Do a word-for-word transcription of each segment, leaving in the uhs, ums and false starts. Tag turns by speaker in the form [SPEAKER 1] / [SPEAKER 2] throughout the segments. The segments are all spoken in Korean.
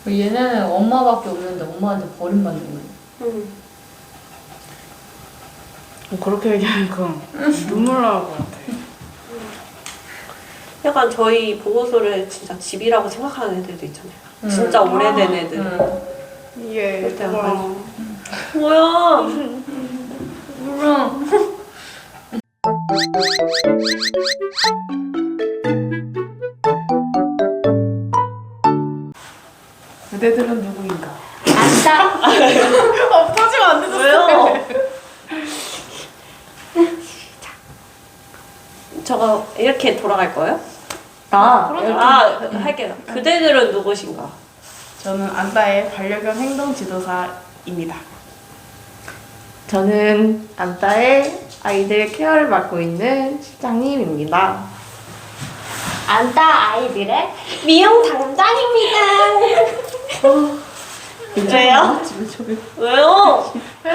[SPEAKER 1] 얘네는 엄마밖에 없는데 엄마한테 버림받는 거야.
[SPEAKER 2] 응.
[SPEAKER 3] 뭐 그렇게 얘기하니까 눈물 나올 것 같아.
[SPEAKER 2] 약간 저희 보호소를 진짜 집이라고 생각하는 애들도 있잖아요.
[SPEAKER 1] 응.
[SPEAKER 2] 진짜 오래된 애들.
[SPEAKER 1] 응.
[SPEAKER 3] 이게
[SPEAKER 2] 그때
[SPEAKER 3] 와.
[SPEAKER 2] 약간 뭐야?
[SPEAKER 1] 몰라.
[SPEAKER 3] 그대들은 누구인가?
[SPEAKER 1] 안다.
[SPEAKER 3] 어, 터지면 안 되죠.
[SPEAKER 2] 왜요? 저거 이렇게 돌아갈 거예요?
[SPEAKER 1] 나.
[SPEAKER 2] 아, 할게요. 그대들은 누구신가?
[SPEAKER 3] 저는 안따의 반려견 행동 지도사입니다.
[SPEAKER 4] 저는 안따의 아이들 케어를 맡고 있는 실장님입니다.
[SPEAKER 1] 안다 아이들의
[SPEAKER 2] 미용 담당입니다. 왜요? 왜요?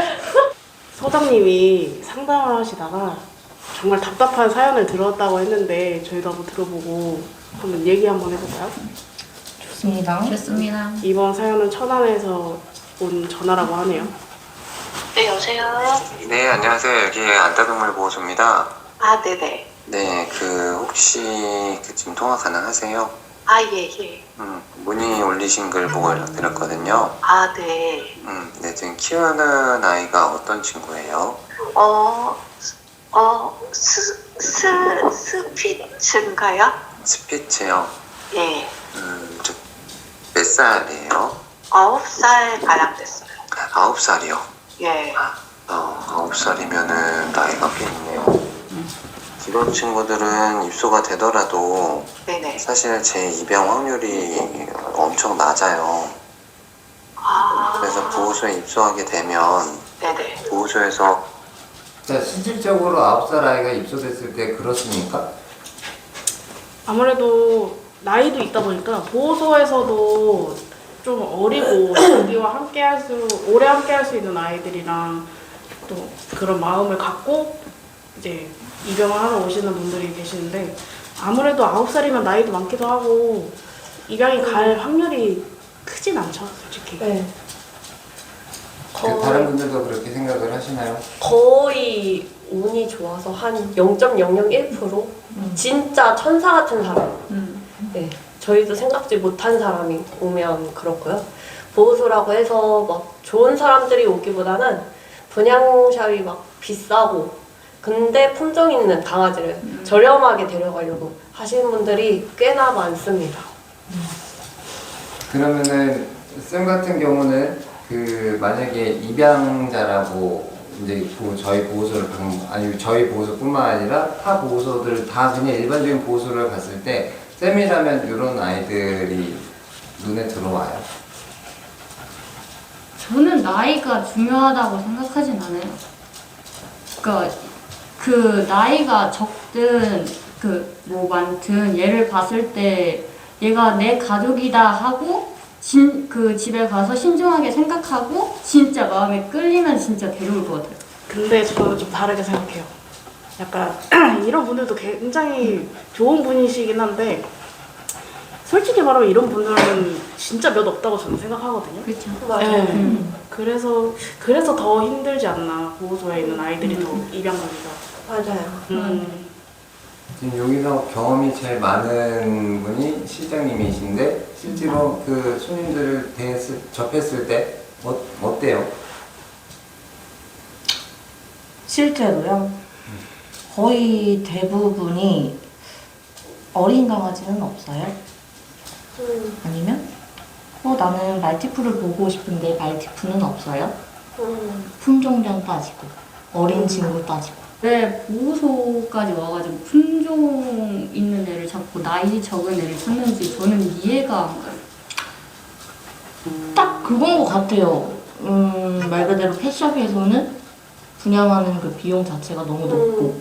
[SPEAKER 3] 소장님이 상담을 하시다가 정말 답답한 사연을 들었다고 했는데 저희도 한번 들어보고 한번 얘기 한번 해볼까요?
[SPEAKER 4] 좋습니다.
[SPEAKER 1] 좋습니다.
[SPEAKER 3] 이번 사연은 천안에서 온 전화라고 하네요.
[SPEAKER 5] 네, 여보세요?
[SPEAKER 6] 네, 안녕하세요. 여기 안따동물보호소입니다.
[SPEAKER 5] 아, 네네.
[SPEAKER 6] 네, 그 혹시 그 지금 통화 가능하세요?
[SPEAKER 5] 아, 예, 예.
[SPEAKER 6] 음, 문의 올리신 글 보고 연락드렸거든요.
[SPEAKER 5] 아, 네.
[SPEAKER 6] 음, 네, 지금 키우는 아이가 어떤 친구예요?
[SPEAKER 5] 어, 어, 스, 스, 스피츠인가요?
[SPEAKER 6] 스피츠요.
[SPEAKER 5] 예.
[SPEAKER 6] 음, 저, 몇 살이에요?
[SPEAKER 5] 아홉 살 가량 됐어요.
[SPEAKER 6] 아홉 살이요.
[SPEAKER 5] 예.
[SPEAKER 6] 어, 아홉 살이면은 나이가 꽤 있네요. 이런 친구들은 입소가 되더라도
[SPEAKER 5] 네네.
[SPEAKER 6] 사실 제 입양 확률이 엄청 낮아요.
[SPEAKER 5] 아.
[SPEAKER 6] 그래서 보호소에 입소하게 되면
[SPEAKER 5] 네네.
[SPEAKER 6] 보호소에서
[SPEAKER 7] 자, 실질적으로 아홉 살 아이가 입소됐을 때 그렇습니까?
[SPEAKER 3] 아무래도 나이도 있다 보니까 보호소에서도 좀 어리고 자기와 함께 할 수, 오래 함께 할 수 있는 아이들이랑 또 그런 마음을 갖고 이제 입양을 하러 오시는 분들이 계시는데 아무래도 아홉 살이면 나이도 많기도 하고 입양이 갈 확률이 크진 않죠, 솔직히.
[SPEAKER 2] 네.
[SPEAKER 7] 그 다른 분들도 그렇게 생각을 하시나요?
[SPEAKER 2] 거의 운이 좋아서 한 영 점 영영일 퍼센트? 진짜 천사 같은 사람.
[SPEAKER 1] 음.
[SPEAKER 2] 네. 저희도 생각지 못한 사람이 오면 그렇고요. 보호소라고 해서 막 좋은 사람들이 오기보다는 분양샵이 막 비싸고 근데 품종 있는 강아지를
[SPEAKER 1] 음.
[SPEAKER 2] 저렴하게 데려가려고 하시는 분들이 꽤나 많습니다.
[SPEAKER 7] 그러면은 쌤 같은 경우는 그 만약에 입양자라고 이제 보- 저희 보호소를 방- 아니 저희 보호소뿐만 아니라 타 보호소들 다 그냥 일반적인 보호소를 갔을 때 쌤이라면 이런 아이들이 눈에 들어와요.
[SPEAKER 1] 저는 나이가 중요하다고 생각하진 않아요. 그러니까 그 나이가 적든 그 뭐 많든 얘를 봤을 때 얘가 내 가족이다 하고 진, 그 집에 가서 신중하게 생각하고 진짜 마음에 끌리면 진짜 데려올 것 같아요.
[SPEAKER 3] 근데 저는 좀 다르게 생각해요. 약간 이런 분들도 굉장히 좋은 분이시긴 한데 솔직히 말하면 이런 분들은 진짜 몇 없다고 저는 생각하거든요.
[SPEAKER 1] 그렇죠.
[SPEAKER 2] 맞아요.
[SPEAKER 3] 네.
[SPEAKER 1] 음.
[SPEAKER 3] 그래서 그래서 더 힘들지 않나 보호소에 있는 아이들이 더 입양하기가.
[SPEAKER 2] 맞아요.
[SPEAKER 3] 음.
[SPEAKER 7] 지금 여기서 경험이 제일 많은 분이 실장님이신데 실제로 그 손님들을 대했을, 접했을 때 어, 어때요?
[SPEAKER 4] 실제로요. 거의 대부분이 어린 강아지는 없어요.
[SPEAKER 2] 음,
[SPEAKER 4] 아니면 어 나는 말티푸를 보고 싶은데 말티푸는 없어요.
[SPEAKER 2] 음.
[SPEAKER 4] 품종견 따지고 어린 친구 따지고.
[SPEAKER 1] 왜 보호소까지 와가지고 품종 있는 애를 잡고 나이 적은 애를 찾는지 저는 이해가 안 가요.
[SPEAKER 4] 딱 그건 것 같아요. 음, 말 그대로 펫샵에서는 분양하는 그 비용 자체가 너무 높고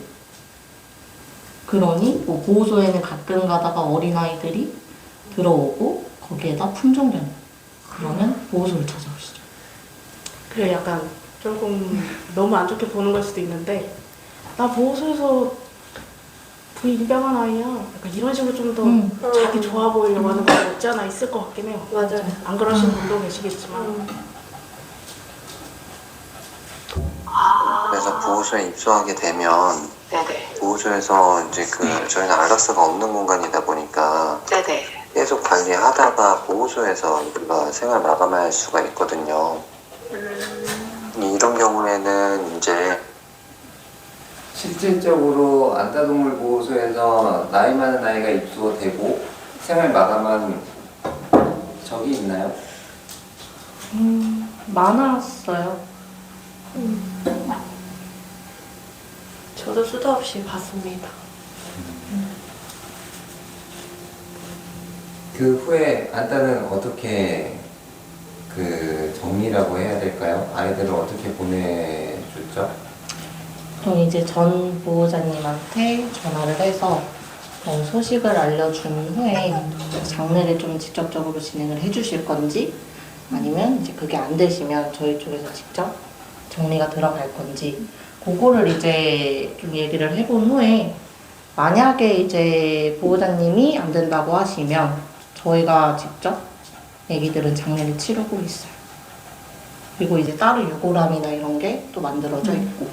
[SPEAKER 4] 그러니 뭐 보호소에는 가끔 가다가 어린아이들이 들어오고 거기에다 품종견 그러면 보호소를 찾아오시죠.
[SPEAKER 3] 그래 약간 조금 너무 안 좋게 보는 걸 수도 있는데 나 보호소에서 그 입양한 아이야. 약간 이런 식으로 좀 더
[SPEAKER 4] 음.
[SPEAKER 3] 자기 좋아 보이려고 하는 거 없지 않아 있을 것 같긴 해요.
[SPEAKER 2] 맞아요.
[SPEAKER 3] 안 그러시는 분도 계시겠지만.
[SPEAKER 2] 음.
[SPEAKER 5] 아.
[SPEAKER 6] 그래서 보호소에 입소하게 되면
[SPEAKER 5] 네네.
[SPEAKER 6] 보호소에서 이제 그 저희는 안락사가 없는 공간이다 보니까
[SPEAKER 5] 네네.
[SPEAKER 6] 계속 관리하다가 보호소에서 우리가 생활 마감할 수가 있거든요.
[SPEAKER 5] 음.
[SPEAKER 6] 이런 경우에는 이제
[SPEAKER 7] 실질적으로 안타동물 보호소에서 나이 많은 아이가 입소되고 생활 마감한 적이 있나요?
[SPEAKER 4] 음, 많았어요.
[SPEAKER 2] 저도 수도 없이 봤습니다.
[SPEAKER 7] 그 후에 안타는 어떻게 그 정리라고 해야 될까요? 아이들을 어떻게 보내줬죠?
[SPEAKER 4] 그럼 이제 전 보호자님한테 전화를 해서 어, 소식을 알려준 후에 장례를 좀 직접적으로 진행을 해주실 건지 아니면 이제 그게 안 되시면 저희 쪽에서 직접 정리가 들어갈 건지 그거를 이제 좀 얘기를 해본 후에 만약에 이제 보호자님이 안 된다고 하시면 저희가 직접 애기들은 장례를 치르고 있어요. 그리고 이제 따로 유골함이나 이런 게 또 만들어져 있고.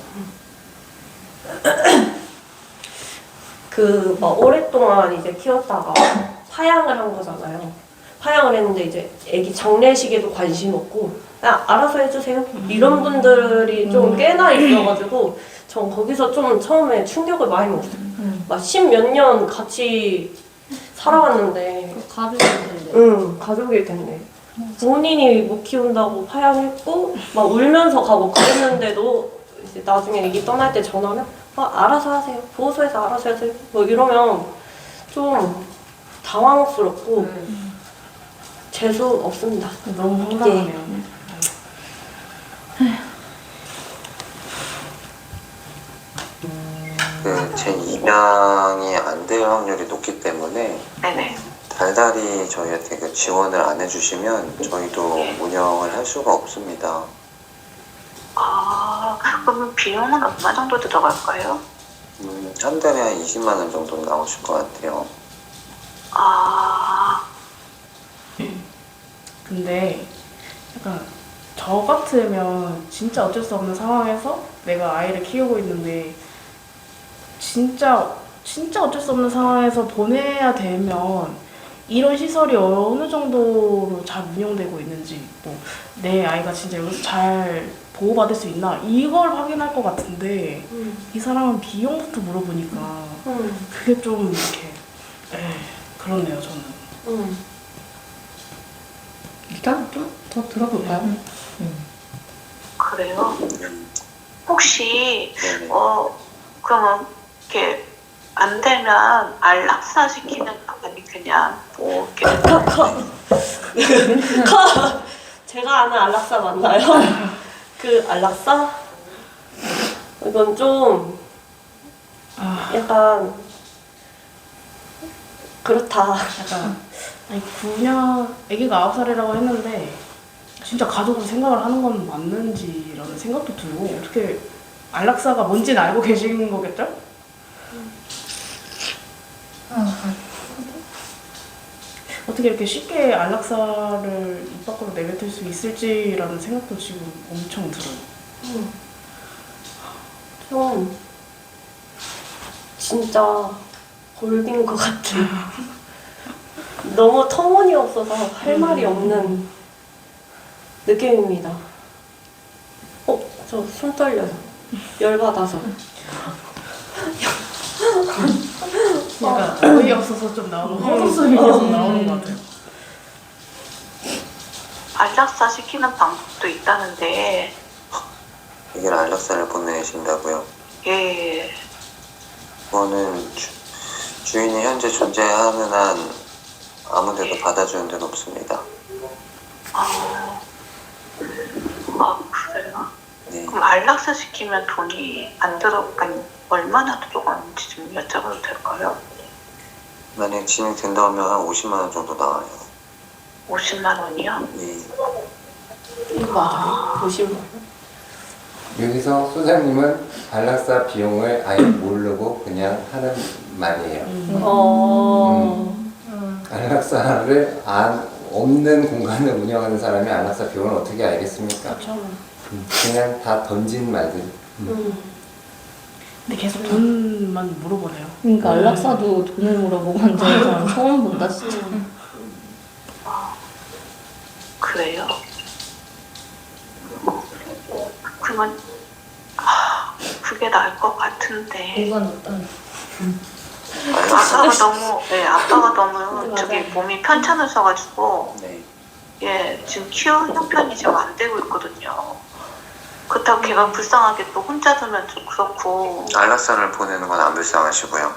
[SPEAKER 2] 그, 뭐, 오랫동안 이제 키웠다가 파양을 한 거잖아요. 파양을 했는데 이제 애기 장례식에도 관심 없고, 그냥 알아서 해주세요. 이런 분들이 좀 꽤나 있어가지고, 전 거기서 좀 처음에 충격을 많이 먹었어요.
[SPEAKER 4] 음.
[SPEAKER 2] 막 십몇 년 같이 살아왔는데,
[SPEAKER 1] 그 가족일 텐데.
[SPEAKER 2] 응, 가족일 텐데. 본인이 못 키운다고 파양했고, 막 울면서 가고 그랬는데도, 이제 나중에 애기 떠날 때 전화하면, 아, 알아서 하세요. 보호소에서 알아서 하세요. 뭐 이러면 좀 당황스럽고, 재수 없습니다.
[SPEAKER 3] 너무 황당하네요.
[SPEAKER 6] 그 재입양이 안 될 확률이 높기 때문에
[SPEAKER 5] 네네.
[SPEAKER 6] 달달이 저희한테 그 지원을 안 해주시면 저희도 운영을 할 수가 없습니다.
[SPEAKER 5] 아, 그러면 비용은 얼마 정도 들어갈까요?
[SPEAKER 6] 음, 한 달에 한 이십만 원 정도 나오실 것 같아요.
[SPEAKER 5] 아,
[SPEAKER 3] 근데 약간 저 같으면 진짜 어쩔 수 없는 상황에서 내가 아이를 키우고 있는데 진짜 진짜 어쩔 수 없는 상황에서 보내야 되면 이런 시설이 어느 정도로 잘 운영되고 있는지 뭐 내 아이가 진짜 여기서 잘 보호받을 수 있나 이걸 확인할 것 같은데
[SPEAKER 2] 음.
[SPEAKER 3] 이 사람은 비용부터 물어보니까
[SPEAKER 2] 음.
[SPEAKER 3] 그게 좀 이렇게 에 그렇네요 저는.
[SPEAKER 2] 음.
[SPEAKER 4] 일단 좀 더 들어볼까요? 음.
[SPEAKER 5] 그래요? 혹시,
[SPEAKER 6] 네네.
[SPEAKER 5] 어, 그러면, 이렇게, 안 되면 안락사 시키는 거 아니, 그냥, 뭐, 이렇게.
[SPEAKER 2] 제가 아는 안락사 맞나요? 그 안락사? 이건 좀
[SPEAKER 3] 아
[SPEAKER 2] 약간 그렇다.
[SPEAKER 3] 약간 아니 구 년 아기가 아홉 살이라고 했는데 진짜 가족으로 생각을 하는 건 맞는지라는 생각도 들고 어떻게 안락사가 뭔지는 알고 계신 거겠죠? 어떻게 이렇게 쉽게 안락사를 입 밖으로 내뱉을 수 있을지라는 생각도 지금 엄청 들어요.
[SPEAKER 2] 음. 좀 진짜 골빈 것 같아. 너무 터무니없어서 할 말이 없는 느낌입니다. 어, 저 손 떨려요. 열받아서.
[SPEAKER 3] 약간 어이없어서 좀 나오는 헛웃음이 계속 나오는 것 같아요.
[SPEAKER 5] 안락사 시키는 방법도 있다는데,
[SPEAKER 6] 이게 안락사를 보내신다고요?
[SPEAKER 5] 예,
[SPEAKER 6] 그거는 주, 주인이 현재 존재하는 한 아무데도 받아주는 데는 없습니다.
[SPEAKER 5] 아, 아, 그래요?
[SPEAKER 6] 네.
[SPEAKER 5] 그럼 안락사 시키면 돈이 안 들어, 아니, 얼마나 들어가는지 좀 여쭤봐도 될까요?
[SPEAKER 6] 만약 진행된다면 한 오십만 원 정도 나와요.
[SPEAKER 5] 오십만 원이요?
[SPEAKER 6] 예.
[SPEAKER 2] 이거 맞아요? 보시면.
[SPEAKER 7] 여기서 소장님은 안락사 비용을 아예 모르고 그냥 하는 말이에요.
[SPEAKER 2] 어.
[SPEAKER 1] 음.
[SPEAKER 7] 안락사를 안, 없는 공간을 운영하는 사람이 안락사 비용을 어떻게 알겠습니까?
[SPEAKER 3] 그렇죠.
[SPEAKER 7] 음, 그냥 다 던진 말들.
[SPEAKER 2] 음.
[SPEAKER 3] 근데 계속 돈만 물어보네요.
[SPEAKER 4] 그러니까 안락사도 돈을 물어보고 앉는 사람 처음 본다 진짜.
[SPEAKER 5] 그래요. 그러면 아, 그게 나을 것 같은데.
[SPEAKER 1] 공간 없다.
[SPEAKER 5] 아빠가 너무, 네, 아빠가 너무
[SPEAKER 2] 맞아요.
[SPEAKER 5] 저기 몸이 편찮으셔가지고,
[SPEAKER 6] 네.
[SPEAKER 5] 예, 지금 키우는 형편이 지금 안 되고 있거든요. 그렇다고 걔가 불쌍하게 또 혼자 두면 좀 그렇고,
[SPEAKER 6] 안락사를 보내는 건 안 불쌍하시고요.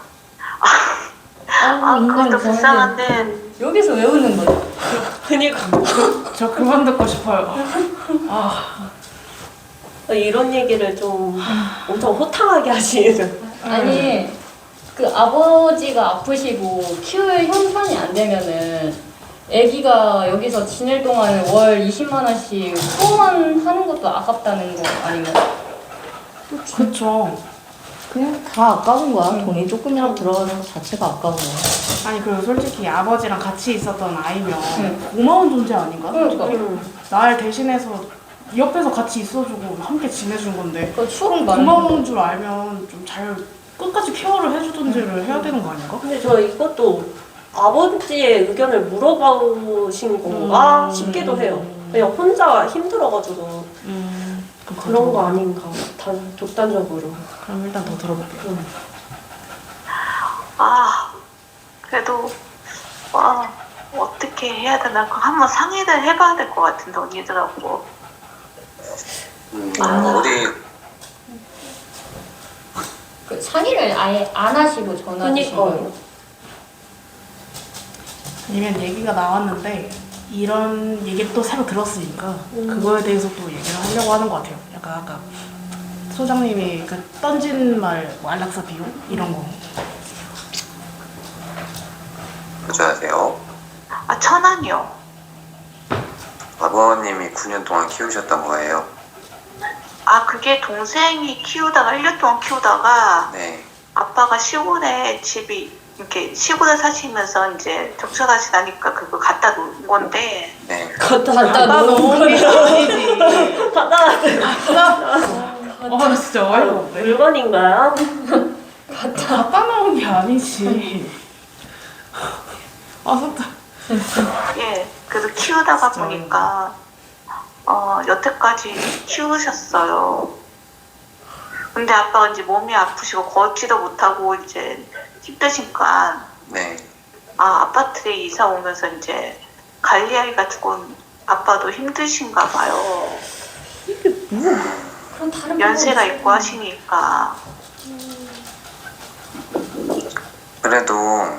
[SPEAKER 5] 아, 그것도 불쌍한데,
[SPEAKER 1] 여기서 왜 웃는 거야?
[SPEAKER 2] 그니까.
[SPEAKER 3] 저 그만 듣고 싶어요. 아,
[SPEAKER 2] 이런 얘기를 좀 엄청 호탕하게 하시는.
[SPEAKER 1] 아니 그 아버지가 아프시고 키울 형편이 안 되면은 아기가 여기서 지낼 동안 월 이십만 원씩 후원하는 것도 아깝다는 거 아닌가?
[SPEAKER 3] 그렇죠.
[SPEAKER 4] 그냥 다 아까운 거야. 돈이 조금이라도 들어가는 것 자체가 아까운 거야.
[SPEAKER 3] 아니 그리고 솔직히 아버지랑 같이 있었던 아이면
[SPEAKER 1] 응.
[SPEAKER 3] 고마운 존재 아닌가?
[SPEAKER 1] 그러니까.
[SPEAKER 2] 음.
[SPEAKER 3] 날 대신해서 옆에서 같이 있어주고 함께 지내준 건데
[SPEAKER 1] 그 추억 많은
[SPEAKER 3] 고마운 줄 알면 좀 잘 끝까지 케어를 해주던지를 해야 되는 거 아닌가?
[SPEAKER 2] 근데 저 이것도 아버지의 의견을 물어보신 건가
[SPEAKER 3] 음.
[SPEAKER 2] 싶기도 해요. 그냥 혼자 힘들어가지고
[SPEAKER 3] 음,
[SPEAKER 2] 그런 거 아닌가. 단, 독단적으로.
[SPEAKER 3] 그럼 일단 더 들어볼게요.
[SPEAKER 5] 아, 그래도, 와, 어떻게 해야 되나, 그거 한번 상의를 해봐야 될 것 같은데, 언니들하고.
[SPEAKER 6] 음,
[SPEAKER 5] 아.
[SPEAKER 6] 우리
[SPEAKER 1] 그 상의를 아예 안 하시고 전화 주신
[SPEAKER 2] 그니까요.
[SPEAKER 1] 거예요?
[SPEAKER 3] 아니면 얘기가 나왔는데 이런 얘기를 또 새로 들었으니까 그거에 대해서 또 얘기를 하려고 하는 것 같아요. 약간 아까 소장님이 그 던진 말, 뭐 안락사 비용 이런 거.
[SPEAKER 6] 부자세요.
[SPEAKER 5] 아, 천안이요.
[SPEAKER 6] 아버님이 구 년 동안 키우셨던 거예요.
[SPEAKER 5] 아, 그게 동생이 키우다가, 일 년 동안 키우다가,
[SPEAKER 6] 네.
[SPEAKER 5] 아빠가 시골에 집이, 이렇게 시골에 사시면서 이제 적셔가시다니까 그거 갖다 놓은 건데,
[SPEAKER 6] 네.
[SPEAKER 2] 갖다
[SPEAKER 3] 놓은 게 아니지.
[SPEAKER 2] 갖다
[SPEAKER 3] 아, 나 진짜 어이가 없네.
[SPEAKER 2] 물건인가요?
[SPEAKER 3] 갖다 놓은 게 아니지. 아, 진짜.
[SPEAKER 5] 예, 그래서 키우다가
[SPEAKER 3] 진짜.
[SPEAKER 5] 보니까, 어, 여태까지 키우셨어요. 근데 아빠가 이제 몸이 아프시고 걷지도 못하고 이제 힘드시니까,
[SPEAKER 6] 네.
[SPEAKER 5] 아, 아파트에 이사 오면서 이제 관리하기가 조금 아빠도 힘드신가 봐요.
[SPEAKER 1] 그럼 다른
[SPEAKER 5] 연세가
[SPEAKER 1] 방법이
[SPEAKER 5] 있고 하시니까.
[SPEAKER 6] 그래도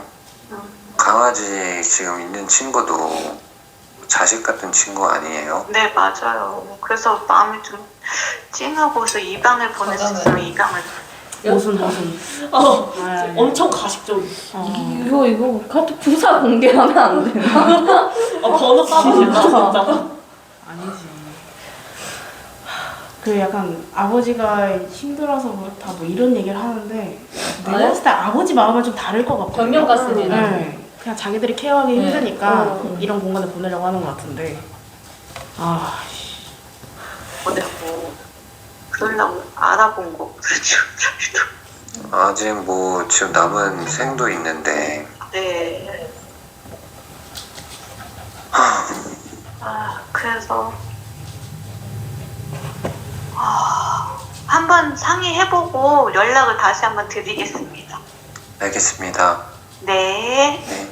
[SPEAKER 6] 강아지 지금 있는 친구도 자식 같은 친구 아니에요?
[SPEAKER 5] 네, 맞아요. 그래서 마음이 좀 찡하고 그래서 입양을 보낼 수 있으면 입양을.
[SPEAKER 3] 모순, 모순.
[SPEAKER 2] 어,
[SPEAKER 3] 아, 예.
[SPEAKER 2] 엄청 가식적.
[SPEAKER 3] 어.
[SPEAKER 4] 이거 이거 카톡 부사 공개하면 안 되나?
[SPEAKER 2] 어, 번호 까고 싶다, 진짜.
[SPEAKER 3] 아니지. 그 약간 아버지가 힘들어서 그렇다 뭐 이런 얘기를 하는데 내가
[SPEAKER 1] 네?
[SPEAKER 3] 봤을 때 아버지 마음은 좀 다를 것 같거든요.
[SPEAKER 1] 변명 같습니다.
[SPEAKER 3] 네. 그냥 자기들이 케어하기
[SPEAKER 1] 네.
[SPEAKER 3] 힘드니까
[SPEAKER 2] 어.
[SPEAKER 3] 이런 공간에 보내려고 하는 것 같은데 아 씨.
[SPEAKER 5] 보내고. 그러려고 알아본 거. 그렇죠. 저희도.
[SPEAKER 6] 아직 뭐 지금 남은 생도 있는데
[SPEAKER 5] 네. 아, 그래서. 아, 한번 상의해보고 연락을 다시 한번 드리겠습니다.
[SPEAKER 6] 알겠습니다.
[SPEAKER 5] 네.
[SPEAKER 6] 네.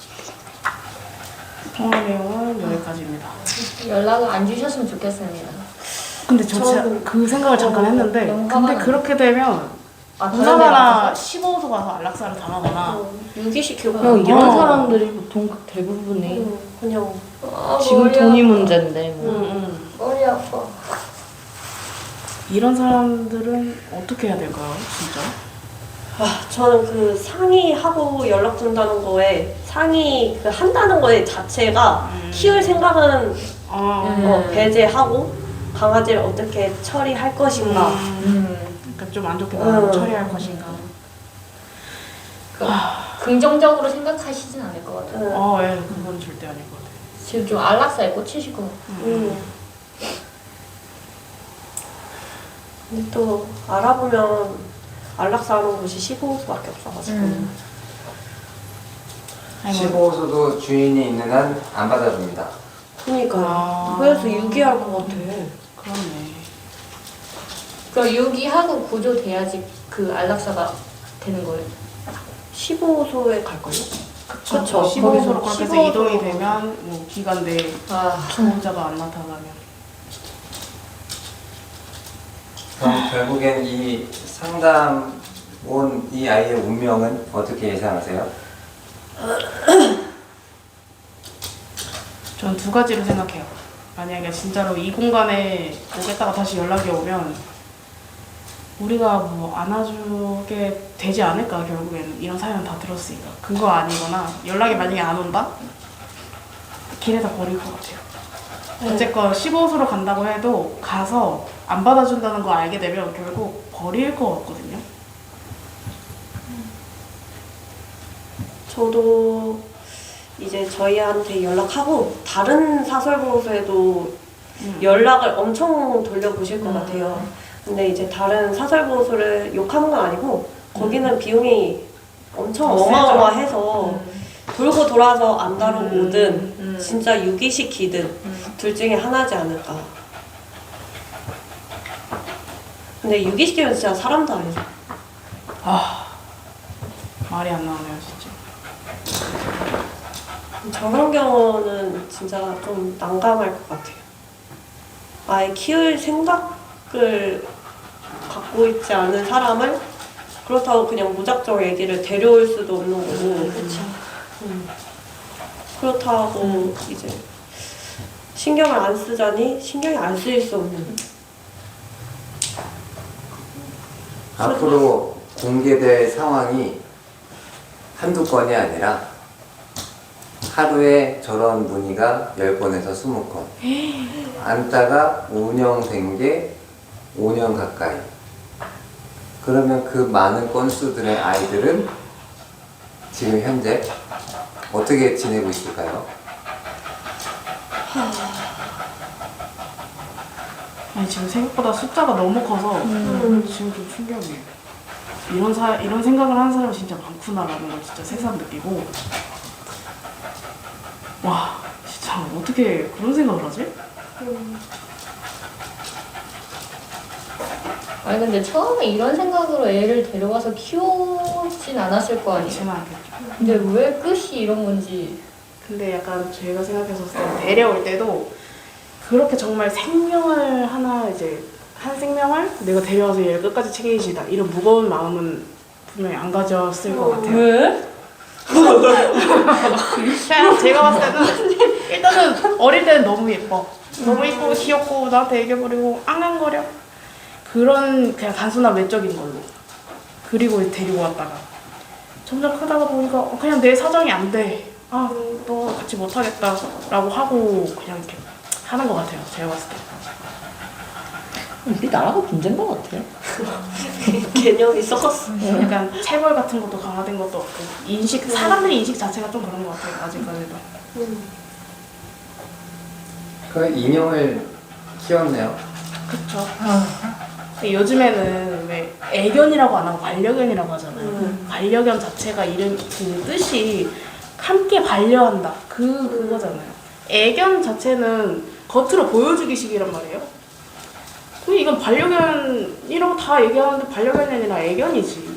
[SPEAKER 3] 통화 내용은 여기까지입니다.
[SPEAKER 1] 연락을 안 주셨으면 좋겠습니다.
[SPEAKER 3] 근데 저 진짜 그 생각을 잠깐 했는데
[SPEAKER 1] 너무 화가
[SPEAKER 3] 근데
[SPEAKER 1] 나요.
[SPEAKER 3] 그렇게 되면
[SPEAKER 1] 아,
[SPEAKER 3] 누나나 십오 소 가서 안락사를 당하거나
[SPEAKER 2] 유기시키고.
[SPEAKER 4] 그냥 이런
[SPEAKER 3] 어.
[SPEAKER 4] 사람들이 보통 대부분이
[SPEAKER 2] 음, 그냥.
[SPEAKER 1] 아,
[SPEAKER 4] 지금
[SPEAKER 1] 머리
[SPEAKER 4] 돈이
[SPEAKER 1] 아파.
[SPEAKER 4] 문제인데 뭐.
[SPEAKER 3] 응, 응.
[SPEAKER 1] 머리 아파.
[SPEAKER 3] 이런 사람들은 어떻게 해야 될까요, 진짜?
[SPEAKER 2] 아, 저는 그 상의하고 연락 준다는 거에 상의 그 한다는 거에 자체가
[SPEAKER 3] 음.
[SPEAKER 2] 키울 생각은
[SPEAKER 3] 아,
[SPEAKER 1] 네.
[SPEAKER 2] 어, 배제하고 강아지를 어떻게 처리할 것인가.
[SPEAKER 3] 음, 그러니까 좀 안 좋게
[SPEAKER 2] 음.
[SPEAKER 3] 처리할 것인가.
[SPEAKER 1] 그, 긍정적으로 생각하시진 않을 것 같아요.
[SPEAKER 2] 음.
[SPEAKER 3] 어, 예, 그건 절대 아닐 것 같아요.
[SPEAKER 1] 지금 좀 안락사에 꽂히실 것 같아요.
[SPEAKER 2] 음. 근데 또 알아보면 안락사 하는 곳이 십오 호수밖에 없어가지고.
[SPEAKER 1] 음.
[SPEAKER 3] 아니, 뭐,
[SPEAKER 7] 십오 호소도 주인이 있는 한 안 받아줍니다.
[SPEAKER 2] 그러니까
[SPEAKER 3] 아.
[SPEAKER 2] 그래서 유기할 것 같아.
[SPEAKER 3] 그렇네.
[SPEAKER 1] 그럼 유기하고 구조돼야지 그 안락사가 되는 거예요.
[SPEAKER 2] 십오 호소에 갈걸요?
[SPEAKER 1] 그쵸.
[SPEAKER 3] 십오 호소로
[SPEAKER 1] 거기서
[SPEAKER 3] 그렇게 해서
[SPEAKER 1] 십오
[SPEAKER 3] 이동이
[SPEAKER 1] 호소로.
[SPEAKER 3] 되면 뭐 기간 내에
[SPEAKER 1] 아,
[SPEAKER 3] 보호자가 안 나타나면
[SPEAKER 7] 그럼 결국엔 이 상담 온 이 아이의 운명은 어떻게 예상하세요?
[SPEAKER 3] 저는 두 가지로 생각해요. 만약에 진짜로 이 공간에 오겠다가 다시 연락이 오면 우리가 뭐 안아주게 되지 않을까. 결국에는 이런 사연 다 들었으니까. 그거 아니거나 연락이 만약에 안 온다? 길에다 버릴 것 같아요. 어쨌건 십오 호소로 간다고 해도 가서 안 받아준다는 거 알게 되면 결국 버릴 것 같거든요.
[SPEAKER 2] 저도 이제 저희한테 연락하고 다른 사설보호소에도
[SPEAKER 3] 음.
[SPEAKER 2] 연락을 엄청 돌려보실 것 같아요. 근데 이제 다른 사설보호소를 욕하는 건 아니고 거기는 비용이 엄청
[SPEAKER 3] 더 세죠.
[SPEAKER 2] 어마어마해서 돌고 돌아서 안 다루고
[SPEAKER 3] 음.
[SPEAKER 2] 오든
[SPEAKER 1] 음.
[SPEAKER 2] 진짜 유기시키든
[SPEAKER 1] 음.
[SPEAKER 2] 둘 중에 하나지 않을까. 근데 유기시키면 진짜 사람도 아니죠.
[SPEAKER 3] 아, 말이 안 나오네요, 진짜.
[SPEAKER 2] 저런 경우는 진짜 좀 난감할 것 같아요. 아예 키울 생각을 갖고 있지 않은 사람을 그렇다고 그냥 무작정 애기를 데려올 수도 없는 거고.
[SPEAKER 1] 그렇죠.
[SPEAKER 2] 음. 그렇다고 이제 신경을 안 쓰자니 신경이 안 쓰일 수 없는.
[SPEAKER 7] 앞으로 공개될 상황이 한두 건이 아니라 하루에 저런 문의가 열 건에서 스무 건. 안다가 운영된 게 오 년 가까이. 그러면 그 많은 건수들의 아이들은 지금 현재 어떻게 지내고 있을까요?
[SPEAKER 3] 아니 지금 생각보다 숫자가 너무 커서
[SPEAKER 2] 음.
[SPEAKER 3] 지금 좀 충격이에요. 이런 사 이런 생각을 하는 사람이 진짜 많구나라는 걸 진짜 새삼 느끼고 와 진짜 어떻게 그런 생각을 하지?
[SPEAKER 1] 아니 근데 처음에 이런 생각으로 애를 데려와서 키우진 않았을 거 아니에요.
[SPEAKER 3] 그렇지는 않겠죠.
[SPEAKER 1] 근데 왜 끝이 이런 건지.
[SPEAKER 3] 근데 약간 저희가 생각했었을 때 데려올 때도 그렇게 정말 생명을 하나 이제 한 생명을 내가 데려와서 얘를 끝까지 책임지다 이런 무거운 마음은 분명히 안 가졌을 것 같아요.
[SPEAKER 2] 왜?
[SPEAKER 3] 그냥 제가 봤을 때는 일단은 어릴 때는 너무 예뻐. 너무 예쁘고 귀엽고 나한테 애교 부리고 앙앙거려. 그런 그냥 단순한 외적인 걸로. 그리고 데리고 왔다가 점점 크다가 보니까 어, 그냥 내 사정이 안 돼. 아, 너 같이 못하겠다 라고 하고 그냥 이렇게 하는 것 같아요. 제가 봤을 때.
[SPEAKER 4] 우리 나라가 문제인 것 같아.
[SPEAKER 2] 개념이 썩었어.
[SPEAKER 3] 약간 체벌 같은 것도 강화된 것도 없고 인식, 사람들의 인식 자체가 좀 그런 것 같아요. 아직까지도.
[SPEAKER 7] 그 인형을 키웠네요.
[SPEAKER 3] 그쵸. 근데 요즘에는 왜 애견이라고 안 하고 반려견이라고 하잖아요.
[SPEAKER 2] 음.
[SPEAKER 3] 반려견 자체가 이름 그 뜻이 함께 반려한다. 그 그거잖아요. 애견 자체는 겉으로 보여주기식이란 말이에요. 근데 이건 반려견이라고 다 얘기하는데 반려견이 아니라 애견이지.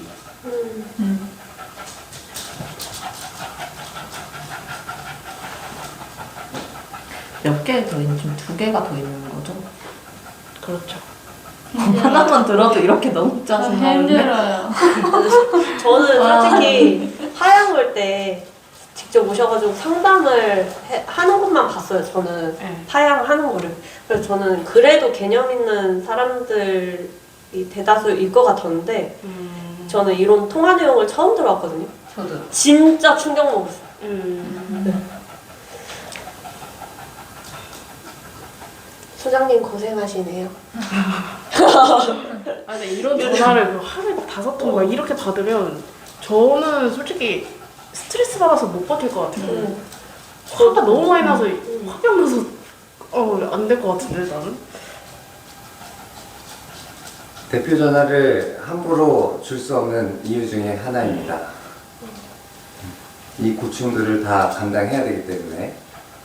[SPEAKER 4] 몇 개 더 있는, 지금 두 개가 더 있는 거죠?
[SPEAKER 3] 그렇죠.
[SPEAKER 4] 하나만 들어도 이렇게 너무 짜증나는데.
[SPEAKER 1] 힘들어요.
[SPEAKER 2] 저는 솔직히 하양 볼 때 직접 오셔가지고 상담을 해- 하는 것만 봤어요. 저는
[SPEAKER 3] 네.
[SPEAKER 2] 파양하는 거를. 그래서 저는 그래도 개념 있는 사람들이 대다수일 것 같았는데
[SPEAKER 3] 음.
[SPEAKER 2] 저는 이런 통화 내용을 처음 들어왔거든요.
[SPEAKER 4] 저도.
[SPEAKER 2] 진짜 충격 먹었어요.
[SPEAKER 3] 음.
[SPEAKER 2] 소장님 고생하시네요.
[SPEAKER 3] 아, 근데 이런 전화를 뭐 하루에 다섯 통 막 이렇게 받으면 저는 솔직히 스트레스 받아서 못 버틸 것 같아요.
[SPEAKER 2] 음.
[SPEAKER 3] 화가 너무 많이 나서 화병 나서 어, 안 될 것 같은데 나는.
[SPEAKER 7] 대표 전화를 함부로 줄 수 없는 이유 중에 하나입니다. 이 고충들을 다 감당해야 되기 때문에.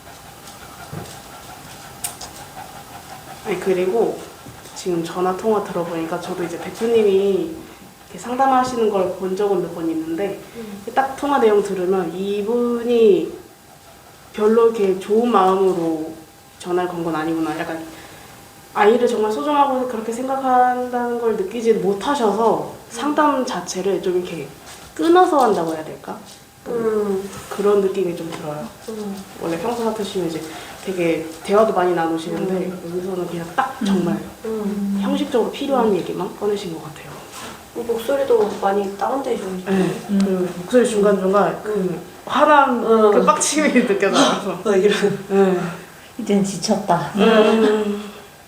[SPEAKER 3] 아니 그리고 지금 전화 통화 들어보니까 저도 이제 대표님이 이렇게 상담하시는 걸 본 적은 몇 번 있는데 딱 통화 내용 들으면 이분이 별로 이렇게 좋은 마음으로 전화를 건 건 아니구나. 약간 아이를 정말 소중하고 그렇게 생각한다는 걸 느끼지 못하셔서 상담 자체를 좀 이렇게 끊어서 한다고 해야 될까?
[SPEAKER 2] 음.
[SPEAKER 3] 그런 느낌이 좀 들어요.
[SPEAKER 2] 음.
[SPEAKER 3] 원래 평소 같으시면 이제 되게 대화도 많이 나누시는데 여기서는 그냥 딱 정말
[SPEAKER 2] 음.
[SPEAKER 3] 형식적으로 필요한 얘기만 꺼내신 것 같아요.
[SPEAKER 2] 목소리도 많이 다운되죠.
[SPEAKER 3] 네. 그 목소리 중간중간 그 화난
[SPEAKER 2] 음.
[SPEAKER 3] 그 빡침이 느껴져서.
[SPEAKER 2] 어, 이런.
[SPEAKER 3] 네.
[SPEAKER 4] 이젠 지쳤다.
[SPEAKER 3] 음.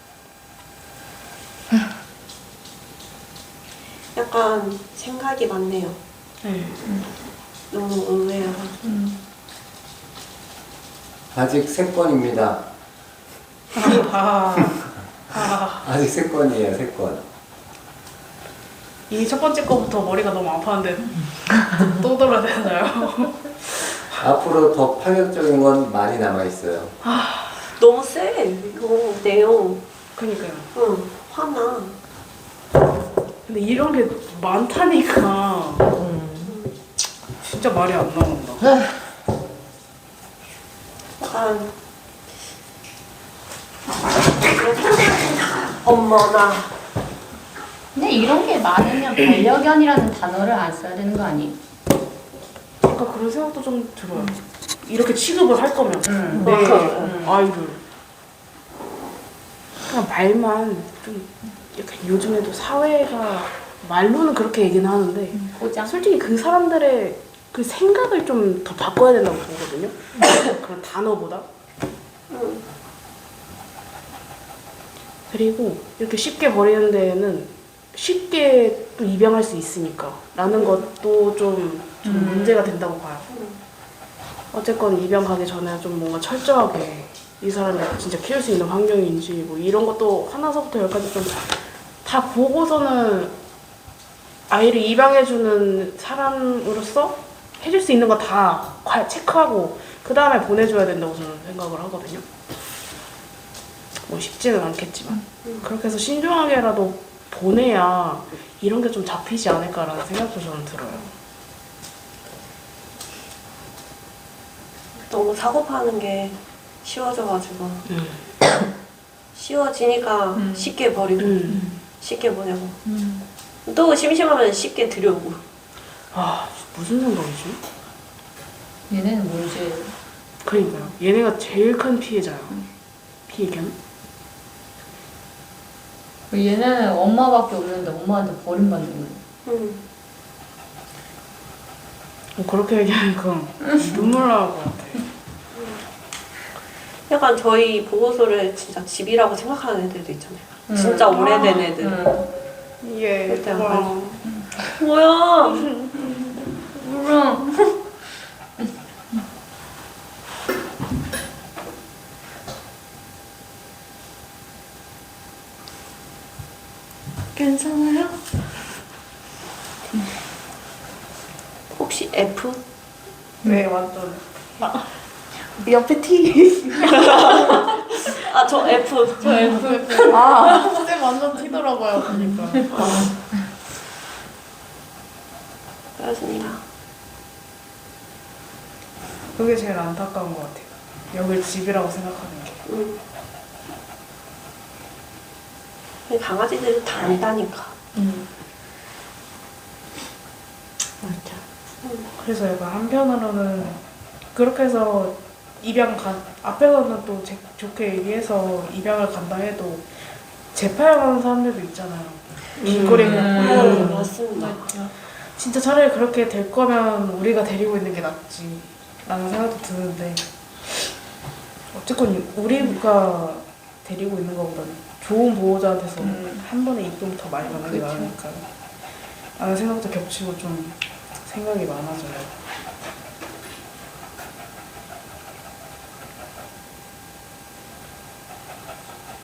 [SPEAKER 2] 약간 생각이 많네요.
[SPEAKER 3] 네.
[SPEAKER 2] 너무 의외야.
[SPEAKER 7] 아직 세 건입니다.
[SPEAKER 3] 아, 아,
[SPEAKER 7] 아직 세 건이에요, 세 건.
[SPEAKER 3] 이 첫 번째 거부터 머리가 너무 아팠는데 또 들어야 되나요?
[SPEAKER 7] 앞으로 더 파격적인 건 많이 남아있어요.
[SPEAKER 2] 너무 세. 이거 내용.
[SPEAKER 3] 그니까요.
[SPEAKER 2] 응. 화나.
[SPEAKER 3] 근데 이런 게 많다니까 진짜 말이 안 나온다.
[SPEAKER 2] 약간 어머나.
[SPEAKER 1] 근데 이런 게 많으면 반려견이라는 단어를 안 써야 되는 거 아니에요?
[SPEAKER 3] 약간 그런 생각도 좀 들어요. 이렇게 취급을 할 거면
[SPEAKER 1] 음.
[SPEAKER 3] 내
[SPEAKER 2] 음.
[SPEAKER 3] 아이를 그냥 말만 좀 약간 요즘에도 사회가 말로는 그렇게 얘기는 하는데
[SPEAKER 1] 고장.
[SPEAKER 3] 솔직히 그 사람들의 그 생각을 좀 더 바꿔야 된다고 보거든요. 그런 단어보다.
[SPEAKER 2] 응.
[SPEAKER 3] 그리고 이렇게 쉽게 버리는 데에는 쉽게 또 입양할 수 있으니까 라는 것도 좀, 좀
[SPEAKER 1] 음.
[SPEAKER 3] 문제가 된다고 봐요.
[SPEAKER 2] 음.
[SPEAKER 3] 어쨌건 입양 가기 전에 좀 뭔가 철저하게 이 사람이 진짜 키울 수 있는 환경인지 뭐 이런 것도 하나서부터 열까지 좀 다 보고서는 아이를 입양해주는 사람으로서 해줄 수 있는 거 다 체크하고 그 다음에 보내줘야 된다고 저는 생각을 하거든요. 뭐 쉽지는 않겠지만 그렇게 해서 신중하게라도 보내야 이런 게 좀 잡히지 않을까라는 생각도 저는 들어요.
[SPEAKER 2] 너무 사고 파는 게 쉬워져가지고
[SPEAKER 3] 음.
[SPEAKER 2] 쉬워지니까
[SPEAKER 1] 음.
[SPEAKER 2] 쉽게 버리고
[SPEAKER 3] 음.
[SPEAKER 2] 쉽게 보내고
[SPEAKER 1] 음.
[SPEAKER 2] 또 심심하면 쉽게 들여오고.
[SPEAKER 3] 아 무슨 생각이지?
[SPEAKER 1] 얘네는 뭔지.
[SPEAKER 3] 그러니까요. 얘네가 제일 큰 피해자야. 피해견?
[SPEAKER 1] 얘네는 엄마밖에 없는데 엄마한테 버림받는 거예요.
[SPEAKER 2] 음.
[SPEAKER 3] 뭐 그렇게 얘기하니까 눈물 나올 것 같아.
[SPEAKER 2] 약간 저희 보호소를 진짜 집이라고 생각하는 애들도 있잖아요.
[SPEAKER 1] 음.
[SPEAKER 2] 진짜 오래된 애들.
[SPEAKER 1] 응.
[SPEAKER 3] 이게
[SPEAKER 2] 그때 안
[SPEAKER 3] 와.
[SPEAKER 2] 뭐야?
[SPEAKER 1] 몰라.
[SPEAKER 2] 괜찮아요? 혹시 F?
[SPEAKER 3] 네 완전. 아, 옆에 T.
[SPEAKER 2] 아, 저 F.
[SPEAKER 1] 저 F.
[SPEAKER 3] 아, 쌤 완전 T더라고요. 그러니까.
[SPEAKER 2] 그렇습니다.
[SPEAKER 3] 그게 제일 안타까운 것 같아요. 여길 집이라고 생각하는 게.
[SPEAKER 2] 음. 강아지들은 다 안다니까.
[SPEAKER 1] 응.
[SPEAKER 2] 맞아.
[SPEAKER 3] 그래서 약간 한편으로는 그렇게 해서 입양 간 앞에서는 또 제, 좋게 얘기해서 입양을 간다 해도 재파양하는 사람들도 있잖아요. 길거리에 그냥
[SPEAKER 2] 음,
[SPEAKER 3] 보내고
[SPEAKER 2] 맞습니다.
[SPEAKER 3] 진짜 차라리 그렇게 될 거면 우리가 데리고 있는 게 낫지 라는 생각도 드는데 어쨌건 우리가 데리고 있는 것보다는 좋은 보호자한테서 한 번에 입금 더 많이 받는 게
[SPEAKER 4] 그쵸.
[SPEAKER 3] 나으니까 라는 생각도 겹치고 좀 생각이 많아져요.